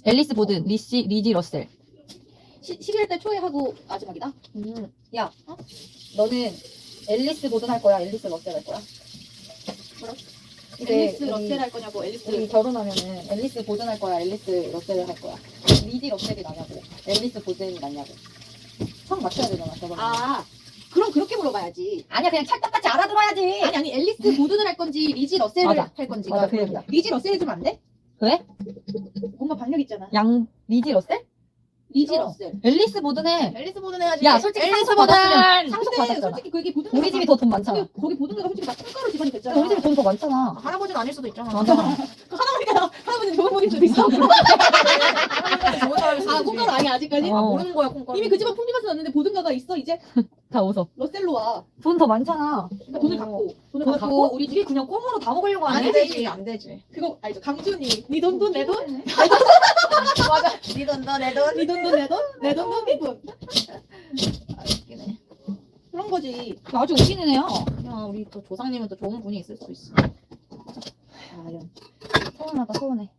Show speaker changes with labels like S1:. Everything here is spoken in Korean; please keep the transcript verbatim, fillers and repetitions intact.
S1: 앨리스 보든, 리시, 리지 러셀.
S2: 십일 대 초에 하고 마지막이다.
S1: 음, 야, 어? 너는 앨리스 보든 할 거야? 앨리스 러셀 할 거야?
S2: 뭐라?
S1: 이제
S2: 앨리스
S1: 우리-
S2: 러셀 할 거냐고 앨리스.
S1: 우리 결혼하면은 앨리스 보든 할 거야? 앨리스 러셀을 할 거야? 리지 러셀이 나냐고? 앨리스 보든이 나냐고? 성 맞춰야 되잖아, 결혼.
S2: 아 그럼 그렇게 물어봐야지.
S1: 아니야, 그냥 찰떡같이 알아들어야지.
S2: 아니 아니 앨리스 보든을 할 건지 리지 러셀을
S1: 맞아.
S2: 할 건지.
S1: 맞아, 그 얘기야.
S2: 리지 러셀 해주면 안 돼?
S1: 왜?
S2: 뭔가 박력 있잖아.
S1: 양, 리지 러셀?
S2: 리지
S1: 어.
S2: 러셀.
S1: 앨리스 보든 해.
S2: 앨리스 보든 해야지.
S1: 야, 솔직히
S2: 앨리스
S1: 상속
S2: 보든.
S1: 받았으면 상속
S2: 근데
S1: 받았잖아.
S2: 솔직히 그게 보든.
S1: 우리 집이 더 돈 많잖아.
S2: 거기, 거기 보든가가 솔직히 다 통가루 집안이 됐잖아.
S1: 근데 우리 집이 돈 더 많잖아.
S3: 할아버지는 아닐 수도 있잖아.
S1: 맞아.
S2: 할아버지가 할아버지 좋은 분일 수도 있어.
S3: 좋은 사람일 수도
S2: 아
S3: 있지.
S2: 콩가루 아니야 아직까지?
S1: 어.
S3: 모르는 거야 콩가루.
S2: 이미 그 집안 풍비가서 났는데 보든가가 있어 이제.
S1: 다 웃어.
S2: 러셀로 와.
S1: 돈 더 많잖아.
S2: 그러니까 돈을
S3: 어.
S2: 갖고 돈을
S1: 돈
S2: 갖고
S1: 갖고 우리 집이 그냥 꽁으로 다 먹으려고
S3: 안
S1: 하네.
S3: 되지 안 되지.
S2: 그거 알죠? 강준이 네 돈 돈 내 돈?
S3: 맞아. 네 돈 너 내 돈.
S2: 네 돈 돈 내 돈? 내 돈 돈 네 돈.
S3: 아 웃기네.
S2: 그런 거지.
S1: 아주 웃기는 애야.
S3: 야 우리 또 조상님은 또 좋은 분이 있을 수 있어.
S1: 아, 이런. 서운하다, 서운해.